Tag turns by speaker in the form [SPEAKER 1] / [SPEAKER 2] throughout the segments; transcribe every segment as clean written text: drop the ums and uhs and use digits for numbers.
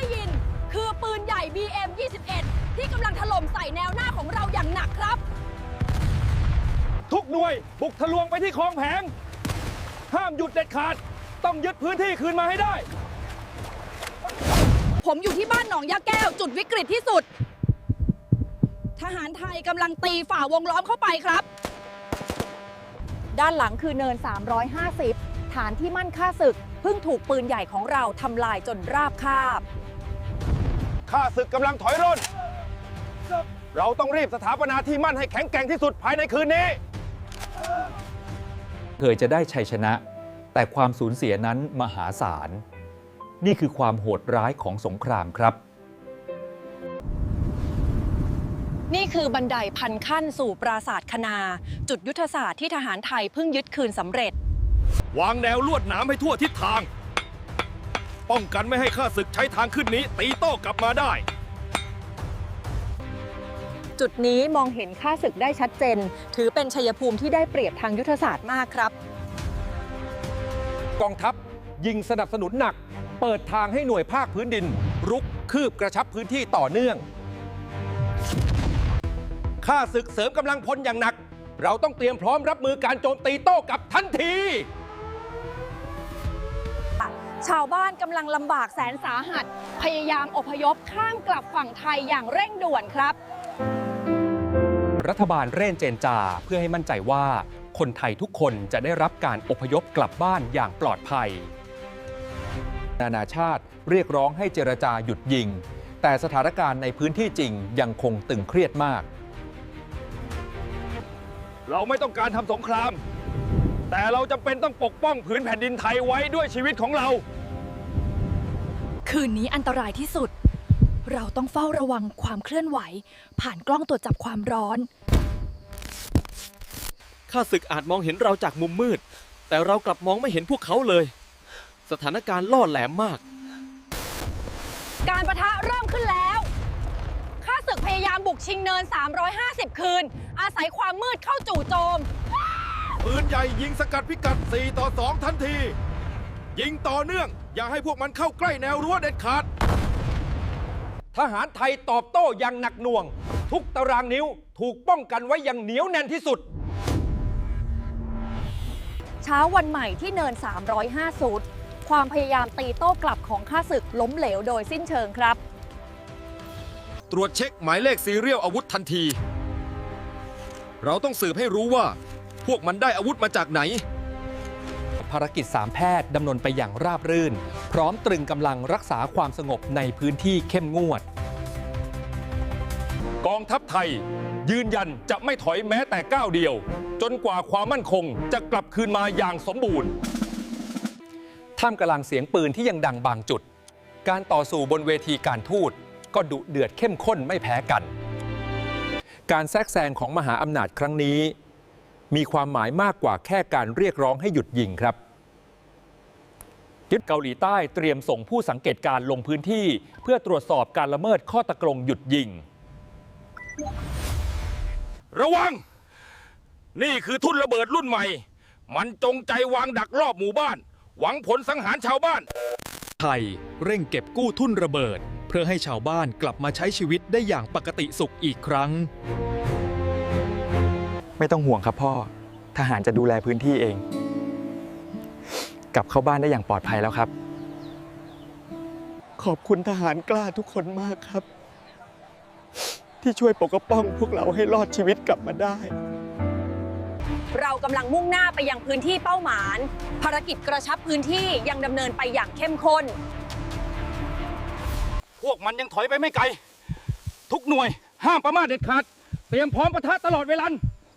[SPEAKER 1] ได้ยินคือปืนใหญ่ BM-21 ที่กำลังถล่มใส่แนวหน้าของเราอย่างหนักครับ
[SPEAKER 2] ทุกหน่วยบุกทะลวงไปที่คลองแผงห้ามหยุดเด็ดขาดต้องยึดพื้นที่คืนมาให้ได้
[SPEAKER 1] ผมอยู่ที่บ้านหนองยาแก้วจุดวิกฤตที่สุดทหารไทยกำลังตีฝ่าวงล้อมเข้าไปครับด้านหลังคือเนิน350ฐานที่มั่นค่าศึกเพิ่งถูกปืนใหญ่ของเราทำลายจนราบคาบ
[SPEAKER 2] ข้าศึกกำลังถอยร่นเราต้องรีบสถาปนาที่มั่นให้แข็งแกร่งที่สุดภายในคืนนี้
[SPEAKER 3] เคยจะได้ชัยชนะแต่ความสูญเสียนั้นมหาศาลนี่คือความโหดร้ายของสงครามครับ
[SPEAKER 1] นี่คือบันไดพันขั้นสู่ปราสาทคณาจุดยุทธศาสตร์ที่ทหารไทยเพิ่งยึดคืนสำเร็จ
[SPEAKER 2] วางแนวลวดหนามให้ทั่วทิศทางป้องกันไม่ให้ข้าศึกใช้ทางขึ้นนี้ตีโต้กลับมาได้
[SPEAKER 1] จุดนี้มองเห็นข้าศึกได้ชัดเจนถือเป็นชัยภูมิที่ได้เปรียบทางยุทธศาสตร์มากครับ
[SPEAKER 2] กองทัพยิงสนับสนุนหนักเปิดทางให้หน่วยภาคพื้นดินรุกคืบกระชับพื้นที่ต่อเนื่องข้าศึกเสริมกำลังพลอย่างหนักเราต้องเตรียมพร้อมรับมือการโจมตีโต้กลับทันที
[SPEAKER 1] ชาวบ้านกำลังลำบากแสนสาหัสพยายามอพยพข้ามกลับฝั่งไทยอย่างเร่งด่วนครับ
[SPEAKER 3] รัฐบาลเร่งเจรจาเพื่อให้มั่นใจว่าคนไทยทุกคนจะได้รับการอพยพกลับบ้านอย่างปลอดภัยนานาชาติเรียกร้องให้เจรจาหยุดยิงแต่สถานการณ์ในพื้นที่จริงยังคงตึงเครียดมาก
[SPEAKER 2] เราไม่ต้องการทำสงครามแต่เราจำเป็นต้องปกป้องผืนแผ่นดินไทยไว้ด้วยชีวิตของเรา
[SPEAKER 1] คืนนี้อันตรายที่สุดเราต้องเฝ้าระวังความเคลื่อนไหวผ่านกล้องตรวจจับความร้อน
[SPEAKER 4] ข้าศึกอาจมองเห็นเราจากมุมมืดแต่เรากลับมองไม่เห็นพวกเขาเลยสถานการณ์ล่อแหลมมาก
[SPEAKER 1] การปะทะเริ่มขึ้นแล้วข้าศึกพยายามบุกชิงเนิน350คืนอาศัยความมืดเข้าจู่โจม
[SPEAKER 2] ปืนใหญ่ยิงสกัดพิกัด4-2ทันทียิงต่อเนื่องอย่าให้พวกมันเข้าใกล้แนวรั้วเด็ดขาดทหารไทยตอบโต้อย่างหนักหน่วงทุกตารางนิ้วถูกป้องกันไว้อย่างเหนียวแน่นที่สุด
[SPEAKER 1] เช้าวันใหม่ที่เนิน350ความพยายามตีโต้กลับของข้าศึกล้มเหลวโดยสิ้นเชิงครับ
[SPEAKER 2] ตรวจเช็คหมายเลขซีเรียลอาวุธทันทีเราต้องสืบให้รู้ว่าพวกมันได้อาวุธมาจากไหน
[SPEAKER 3] ภารกิจ3แพทย์ดำเนินไปอย่างราบรื่นพร้อมตรึงกำลังรักษาความสงบในพื้นที่เข้มงวด
[SPEAKER 2] กองทัพไทยยืนยันจะไม่ถอยแม้แต่ก้าวเดียวจนกว่าความมั่นคงจะกลับคืนมาอย่างสมบูรณ์
[SPEAKER 3] ท่ามกลางเสียงปืนที่ยังดังบางจุดการต่อสู้บนเวทีการทูตก็ดุเดือดเข้มข้นไม่แพ้กันการแทรกแซงของมหาอำนาจครั้งนี้มีความหมายมากกว่าแค่การเรียกร้องให้หยุดยิงครับเกาหลีใต้เตรียมส่งผู้สังเกตการลงพื้นที่เพื่อตรวจสอบการละเมิดข้อตกลงหยุดยิง
[SPEAKER 2] ระวังนี่คือทุ่นระเบิดรุ่นใหม่มันจงใจวางดักรอบหมู่บ้านหวังผลสังหารชาวบ้าน
[SPEAKER 4] ไทยเร่งเก็บกู้ทุ่นระเบิดเพื่อให้ชาวบ้านกลับมาใช้ชีวิตได้อย่างปกติสุขอีกครั้ง
[SPEAKER 5] ไม่ต้องห่วงครับพ่อทหารจะดูแลพื้นที่เองกลับเข้าบ้านได้อย่างปลอดภัยแล้วครับขอบคุณทหารกล้าทุกคนมากครับที่ช่วยปกป้องพวกเราให้รอดชีวิตกลับมาได้
[SPEAKER 1] เรากำลังมุ่งหน้าไปยังพื้นที่เป้าหมายภารกิจกระชับพื้นที่ยังดำเนินไปอย่างเข้มข้น
[SPEAKER 2] พวกมันยังถอยไปไม่ไกลทุกหน่วยห้ามประมาทเด็ดขาดเตรียมพร้อมปะทะตลอดเวลา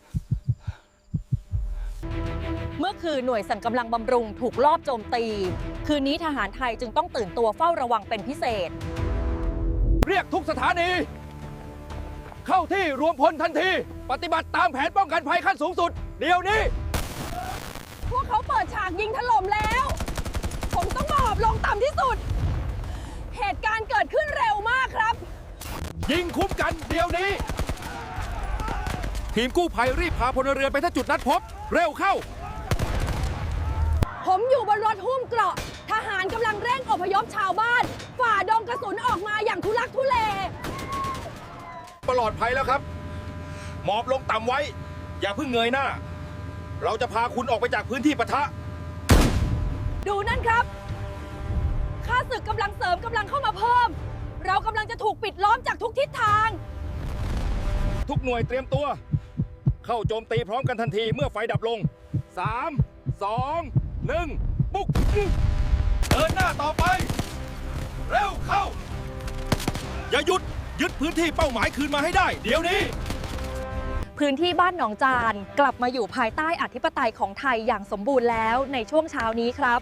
[SPEAKER 1] เมื่อคืนหน่วยสั่งกำลังบำรุงถูกลอบโจมตีคืนนี้ทหารไทยจึงต้องตื่นตัวเฝ้าระวังเป็นพิเศษ
[SPEAKER 2] เรียกทุกสถานีเข้าที่รวมพลทันทีปฏิบัติตามแผนป้องกันภัยขั้นสูงสุดเดี๋ยวนี้
[SPEAKER 1] พวกเขาเปิดฉากยิงถล่มแล้วผมต้องหมอบลงต่ำที่สุดเหตุการณ์เกิดขึ้นเร็วมากครับ
[SPEAKER 2] ยิงคุ้มกันเดี๋ยวนี้ทีมกู้ภัยรีบพาพลเรือนไปที่จุดนัดพบเร็วเข้า
[SPEAKER 1] ผมอยู่บนรถหุ้มเกราะทหารกำลังเร่งอพยพชาวบ้านฝ่าดงกระสุน
[SPEAKER 2] ปลอดภัยแล้วครับ หมอบลงต่ำไว้ อย่าเพิ่งเงยหน้า เราจะพาคุณออกไปจากพื้นที่ปะทะ
[SPEAKER 1] ดูนั่นครับข้าศึกกำลังเสริมกำลังเข้ามาเพิ่ม เรากำลังจะถูกปิดล้อมจากทุกทิศทาง
[SPEAKER 2] ทุกหน่วยเตรียมตัว เข้าโจมตีพร้อมกันทันทีเมื่อไฟดับลง 3 2 1 ปุ๊กเดินหน้าต่อไป เร็วเข้า อย่าหยุดยึดพื้นที่เป้าหมายคืนมาให้ได้ เดี๋ยวนี้
[SPEAKER 1] พื้นที่บ้านหนองจานกลับมาอยู่ภายใต้อธิปไตยของไทยอย่างสมบูรณ์แล้วในช่วงเช้านี้ครับ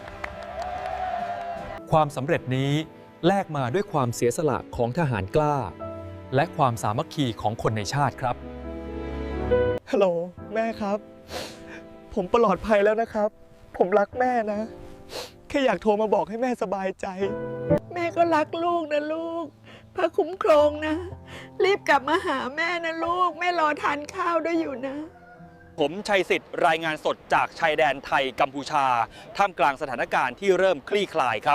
[SPEAKER 3] ความสำเร็จนี้แลกมาด้วยความเสียสละของทหารกล้า และความสามัคคีของคนในชาติครับ
[SPEAKER 5] ฮัลโหลแม่ครับ ผมปลอดภัยแล้วนะครับ ผมรักแม่นะ แค่อยากโทรมาบอกให้แม่สบายใจ
[SPEAKER 6] แม่ก็รักลูกนะลูก พระคุ้มครองนะ รีบกลับมาหาแม่นะลูก แม่รอทานข้าวด้วยอยู่นะ
[SPEAKER 3] ผมชัยสิทธิ์รายงานสดจากชายแดนไทยกัมพูชาท่ามกลางสถานการณ์ที่เริ่มคลี่คลายครับ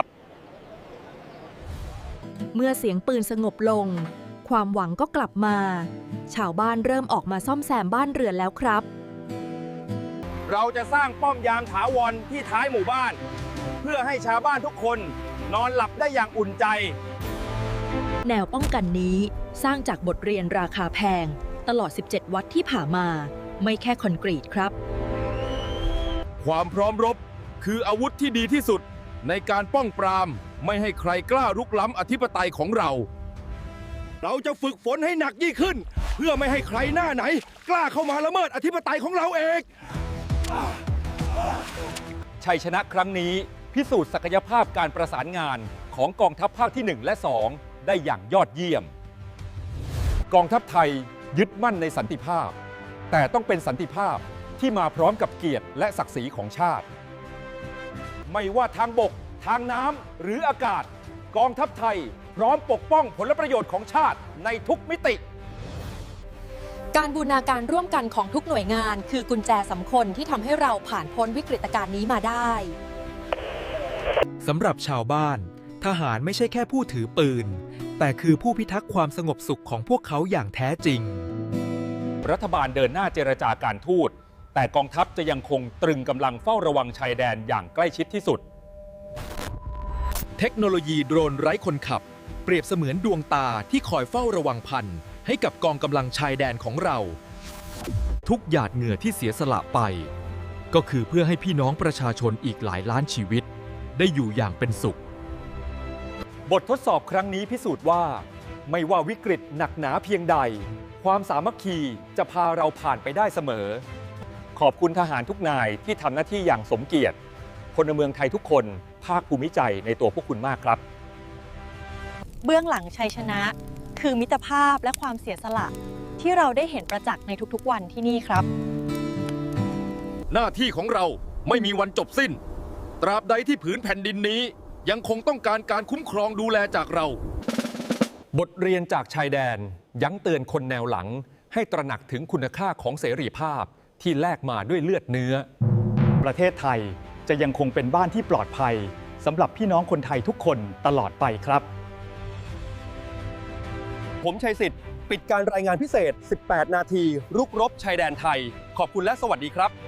[SPEAKER 1] เมื่อเสียงปืนสงบลง ความหวังก็กลับมา ชาวบ้านเริ่มออกมาซ่อมแซมบ้านเรือนแล้วครับ
[SPEAKER 2] เราจะสร้างป้อมยามถาวรที่ท้ายหมู่บ้าน เพื่อให้ชาวบ้านทุกคนนอนหลับได้อย่างอุ่นใจ
[SPEAKER 1] แนวป้องกันนี้สร้างจากบทเรียนราคาแพงตลอด 17 วัดที่ผ่านมา ไม่แค่คอนกรีตครับ
[SPEAKER 2] ความพร้อมรบคืออาวุธที่ดีที่สุดในการป้องปรามไม่ให้ใครกล้ารุกล้ำอธิปไตยของเรา เราจะฝึกฝนให้หนักยิ่งขึ้น เพื่อไม่ให้ใครหน้าไหน กล้าเข้ามาละเมิดอธิปไตยของเราเอง
[SPEAKER 3] ชัยชนะครั้งนี้พิสูจน์ศักยภาพการประสานงานของกองทัพภาคที่ 1 และ 2 ได้อย่างยอดเยี่ยม กองทัพไทยยึดมั่นในสันติภาพ แต่ต้องเป็นสันติภาพที่มาพร้อมกับเกียรติและศักดิ์ศรีของชาติ ไม่ว่าทางบก ทางน้ำหรืออากาศ กองทัพไทยพร้อมปกป้องผลประโยชน์ของชาติในทุกมิติ
[SPEAKER 1] การบูรณาการร่วมกันของทุกหน่วยงานคือกุญแจสำคัญที่ทำให้เราผ่านพ้นวิกฤตการณ์นี้มาได้
[SPEAKER 4] สำหรับชาวบ้าน ทหารไม่ใช่แค่ผู้ถือปืน แต่คือผู้พิทักษ์ความสงบสุขของพวกเขาอย่างแท้จริง
[SPEAKER 3] รัฐบาลเดินหน้าเจรจาการทูตแต่กองทัพจะยังคงตรึงกำลังเฝ้าระวังชายแดนอย่างใกล้ชิดที่สุด
[SPEAKER 4] เทคโนโลยีโดรนไร้คนขับ เปรียบเสมือนดวงตาที่คอยเฝ้าระวังภัยให้กับกองกำลังชายแดนของเรา ทุกหยาดเหงื่อที่เสียสละไป ก็คือเพื่อให้พี่น้องประชาชนอีกหลายล้านชีวิต ได้อยู่อย่างเป็นสุข
[SPEAKER 3] บททดสอบครั้งนี้พิสูจน์ว่า ไม่ว่าวิกฤตหนักหนาเพียงใด ความสามัคคีจะพาเราผ่านไปได้เสมอ ขอบคุณทหารทุกนายที่ทำหน้าที่อย่างสมเกียรติพลเมืองไทยทุกคนภาคภูมิใจในตัวพวกคุณมากครับ
[SPEAKER 1] เบื้องหลังชัยชนะ คือมิตรภาพและความเสียสละ ที่เราได้เห็นประจักษ์ในทุกๆวันที่นี่ครับ
[SPEAKER 2] หน้าที่ของเราไม่มีวันจบสิ้น ตราบใดที่ผืนแผ่นดินนี้ ยังคงต้องการการคุ้มครองดูแลจากเรา
[SPEAKER 3] บทเรียนจากชายแดนยั้งเตือนคนแนวหลังให้ตระหนักถึงคุณค่าของเสรีภาพที่แลกมาด้วยเลือดเนื้อ
[SPEAKER 5] ประเทศไทยจะยังคงเป็นบ้านที่ปลอดภัยสำหรับพี่น้องคนไทยทุกคนตลอดไปครับ
[SPEAKER 3] ผมชัยสิทธิ์ปิดการรายงานพิเศษ 18 นาทีรุกรบชายแดนไทย ขอบคุณและสวัสดีครับ